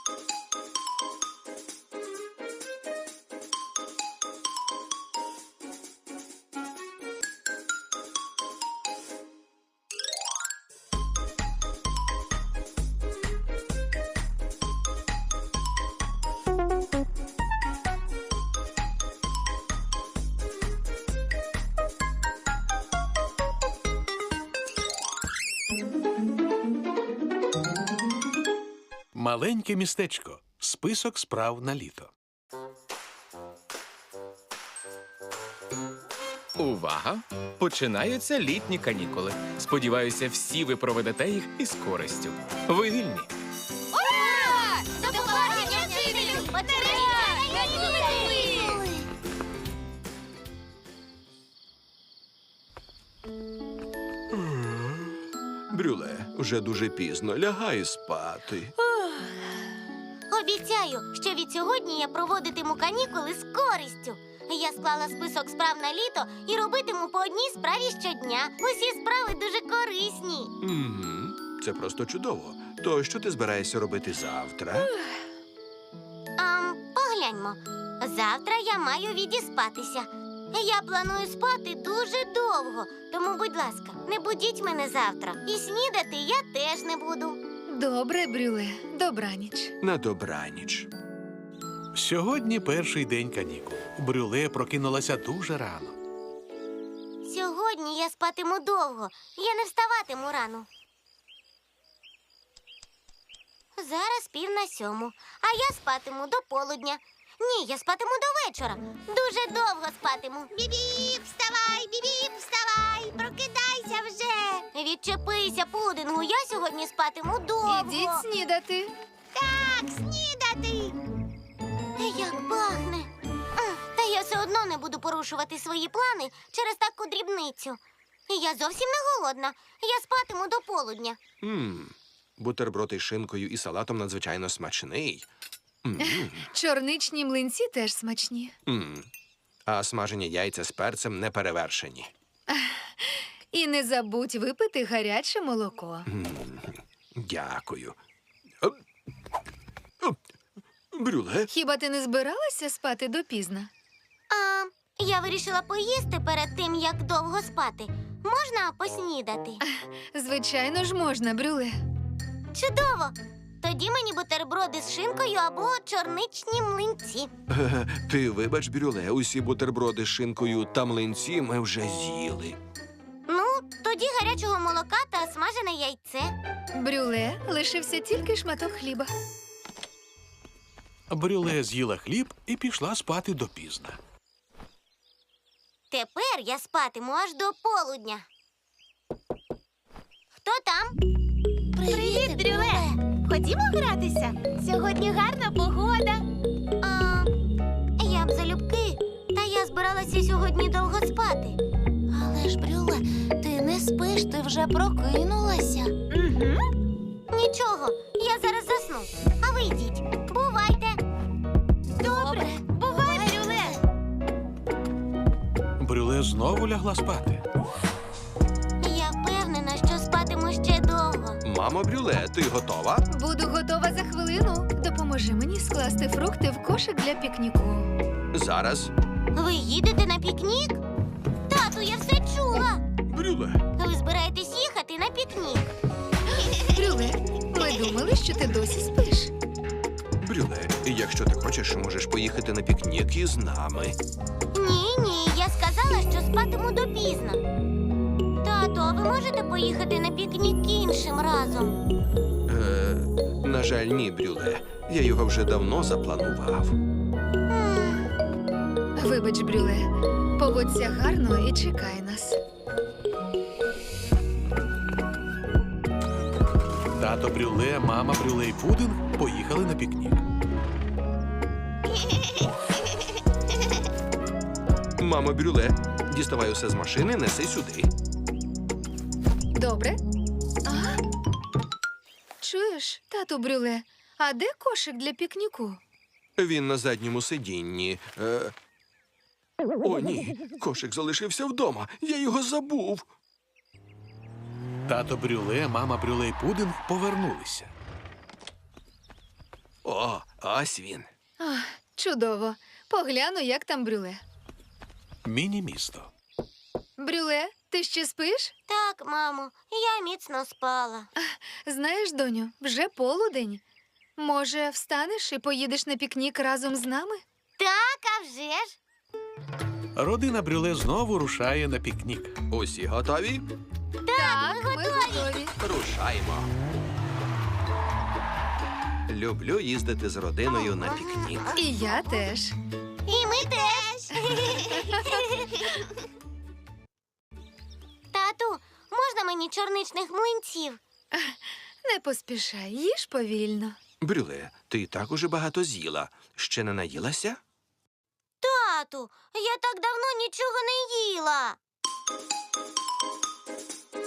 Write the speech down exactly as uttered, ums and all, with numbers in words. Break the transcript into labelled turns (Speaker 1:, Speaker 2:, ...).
Speaker 1: Маленьке містечко. Список справ на літо.
Speaker 2: Увага! Починаються літні канікули. Сподіваюся, всі ви проведете їх із користю. Ви вільні.
Speaker 3: Ура! До побачення, вчителю! Батарея! Канікули!
Speaker 4: Брюле, вже дуже пізно. Лягай спати.
Speaker 3: Обіцяю, що від сьогодні я проводитиму канікули з користю. Я склала список справ на літо і робитиму по одній справі щодня. Усі справи дуже корисні.
Speaker 4: Угу. Це просто чудово. То що ти збираєшся робити завтра?
Speaker 3: А, погляньмо. Завтра я маю відіспатися. Я планую спати дуже довго, тому, будь ласка, не будіть мене завтра. І снідати я теж не буду.
Speaker 5: Добре, Брюле. Добраніч.
Speaker 4: На добраніч.
Speaker 1: Сьогодні перший день канікул. Брюле прокинулася дуже рано.
Speaker 3: Сьогодні я спатиму довго. Я не вставатиму рано. Зараз пів на сьому, а я спатиму до полудня. Ні, я спатиму до вечора. Дуже довго спатиму. Бібіп, вставай, бібіп, вставай, прокидайся вже. Відчепися, пудингу, я сьогодні спатиму довго.
Speaker 5: Ідіть снідати.
Speaker 3: Так, снідати. Як пахне. Ах, Та я все одно не буду порушувати свої плани через таку дрібницю. Я зовсім не голодна. Я спатиму до полудня.
Speaker 4: Мм. Бутерброд із шинкою і салатом надзвичайно смачний. М.
Speaker 5: Чорничні млинці теж смачні.
Speaker 4: М. А смажені яйця з перцем не перевершені.
Speaker 5: І не забудь випити гаряче молоко.
Speaker 4: М. Дякую. Оп. Оп. Брюле?
Speaker 5: Хіба ти не збиралася спати допізна?
Speaker 3: А я вирішила поїсти перед тим, як довго спати. Можна поснідати?
Speaker 5: Звичайно ж можна, Брюле.
Speaker 3: Чудово! Тоді мені бутерброди з шинкою або чорничні млинці.
Speaker 4: Е, Ти вибач, Брюле, усі бутерброди з шинкою та млинці ми вже з'їли.
Speaker 3: Ну, тоді гарячого молока та смажене яйце.
Speaker 5: Брюле лишився тільки шматок хліба.
Speaker 1: Брюле з'їла хліб і пішла спати допізна.
Speaker 3: Тепер я спатиму аж до полудня. Хто там? Привіт, Брюле! Ходімо гратися. Сьогодні гарна погода. А, я б залюбки, та я збиралася сьогодні довго спати. Але ж, Брюле, ти не спиш, ти вже прокинулася. Угу. Нічого, я зараз засну. А ви йдіть. Бувайте. Добре, бувай, Брюле.
Speaker 1: Брюле знову лягла спати.
Speaker 3: Я впевнена, що спатиму ще довго.
Speaker 4: Мамо Брюле, ти готова?
Speaker 5: Буду готова за хвилину. Допоможи мені скласти фрукти в кошик для пікніку.
Speaker 4: Зараз.
Speaker 3: Ви їдете на пікнік? Тату, я все чула.
Speaker 4: Брюле.
Speaker 3: Ви збираєтесь їхати на пікнік.
Speaker 5: Брюле, ми думали, що ти досі спиш.
Speaker 4: Брюле, якщо ти хочеш, можеш поїхати на пікнік із нами.
Speaker 3: Ні, ні, я сказала, що спатиму допізно. Тату, а ви можете поїхати на пікнік іншим разом?
Speaker 4: Е, на жаль, ні, Брюле. Я його вже давно запланував.
Speaker 3: М,
Speaker 5: Вибач, Брюле, поводься гарно і чекай нас.
Speaker 1: Тато Брюле, мама Брюле і Пудинг поїхали на пікнік.
Speaker 4: Мамо Брюле, діставай усе з машини, неси сюди.
Speaker 5: Добре? А? Чуєш, тату Брюле, а де кошик для пікніку?
Speaker 4: Він на задньому сидінні. Е... О, ні, кошик залишився вдома. Я його забув.
Speaker 1: Тато Брюле, мама Брюле і Пудинг повернулися.
Speaker 4: О, О, ось він.
Speaker 5: Ах, чудово. Погляну, як там Брюле.
Speaker 1: Міні-місто.
Speaker 5: Брюле, ти ще спиш?
Speaker 3: Так, мамо, я міцно спала.
Speaker 5: Знаєш, доню, вже полудень. Може, встанеш і поїдеш на пікнік разом з нами?
Speaker 3: Так, а вже ж.
Speaker 1: Родина Брюле знову рушає на пікнік.
Speaker 4: Усі готові?
Speaker 5: Так, ми готові.
Speaker 4: Рушаймо. Люблю їздити з родиною на пікнік.
Speaker 5: І я теж.
Speaker 3: І ми теж. Тату, можна мені чорничних млинців?
Speaker 5: Не поспішай, їж повільно.
Speaker 4: Брюле, ти так уже багато з'їла. Ще не наїлася?
Speaker 3: Тату, я так давно нічого не їла.